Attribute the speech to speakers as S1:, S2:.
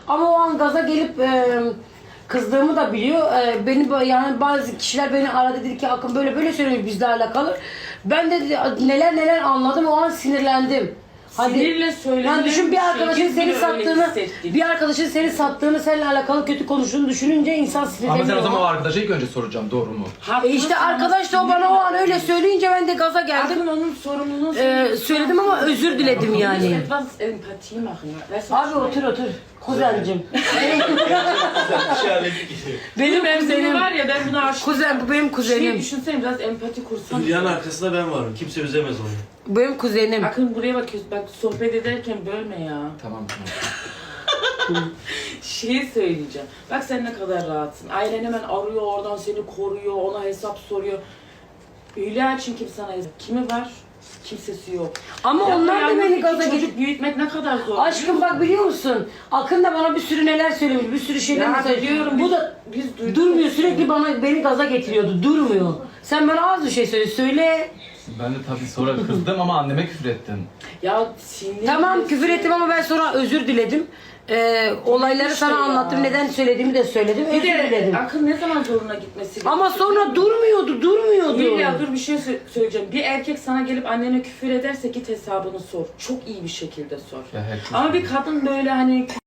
S1: Ama o an gaza gelip kızdığımı da biliyor. Yani bazı kişiler beni aradı, dedi ki Akın böyle böyle söylüyor bizle alakalı. Ben de neler anladım, o an sinirlendim.
S2: Sinirle söylenen
S1: yani düşün, bir arkadaşın seni sattığını, seninle alakalı kötü konuştuğunu düşününce insan sinirleniyor.
S3: Ama sen o zaman o arkadaşa ilk önce soracağım, doğru mu?
S1: İşte arkadaş da o bana o an öyle söyleyince ben de gaza geldim.
S2: Akın onun sorumluluğunu
S1: Söyledim ama özür diledim yani.
S2: Etwas Empathie machen. Weißt du,
S1: Abi otur. Kuzencim.
S2: benim
S1: kuzenim.
S2: kuzenim var ya, ben buna aşık.
S1: Kuzen, bu benim kuzenim.
S2: Düşünsene, biraz empati kursan.
S4: Hülya'nın arkasında ben varım. Kimse üzemez onu.
S1: Bu benim kuzenim.
S2: Akın buraya bakıyorsun. Bak sohbet ederken bölme ya.
S3: Tamam.
S2: Şeyi söyleyeceğim. Bak sen ne kadar rahatsın. Ailen hemen arıyor, oradan seni koruyor, ona hesap soruyor. Hülya için kim sana hesap? Kimi var? Kimsesi yok.
S1: Ama
S2: Ya
S1: onlar da
S2: yalnız
S1: beni
S2: iki
S1: gaza
S2: çocuk
S1: getirdi.
S2: büyütmek ne kadar zor.
S1: Aşkım bak, biliyor musun? Akın da bana bir sürü neler söylemiş, bir sürü şeyler
S2: Ya
S1: söylemiş.
S2: biliyorum,
S1: Bu da
S2: biz duyduk.
S1: durmuyor, sürekli beni gaza getiriyordu. Durmuyor. Sen bana az bir şey söyle.
S3: Ben de tabii sonra kızdım ama anneme küfür ettim.
S2: Ya sinir.
S1: Tamam, küfür ettim ama ben sonra özür diledim. Olayları
S2: İşte
S1: sana
S2: ya.
S1: anlattım, neden söylediğimi de söyledim.
S2: Bir
S1: Özür
S2: de
S1: diledim.
S2: Akın ne zaman zoruna gitmesi
S1: Ama
S2: gerekiyor?
S1: sonra durmuyordu.
S2: Hülya dur, bir şey söyleyeceğim. Bir erkek sana gelip annene küfür ederse git hesabını sor. Çok iyi bir şekilde sor.
S3: Ya herkes
S2: Ama bir kadın böyle hani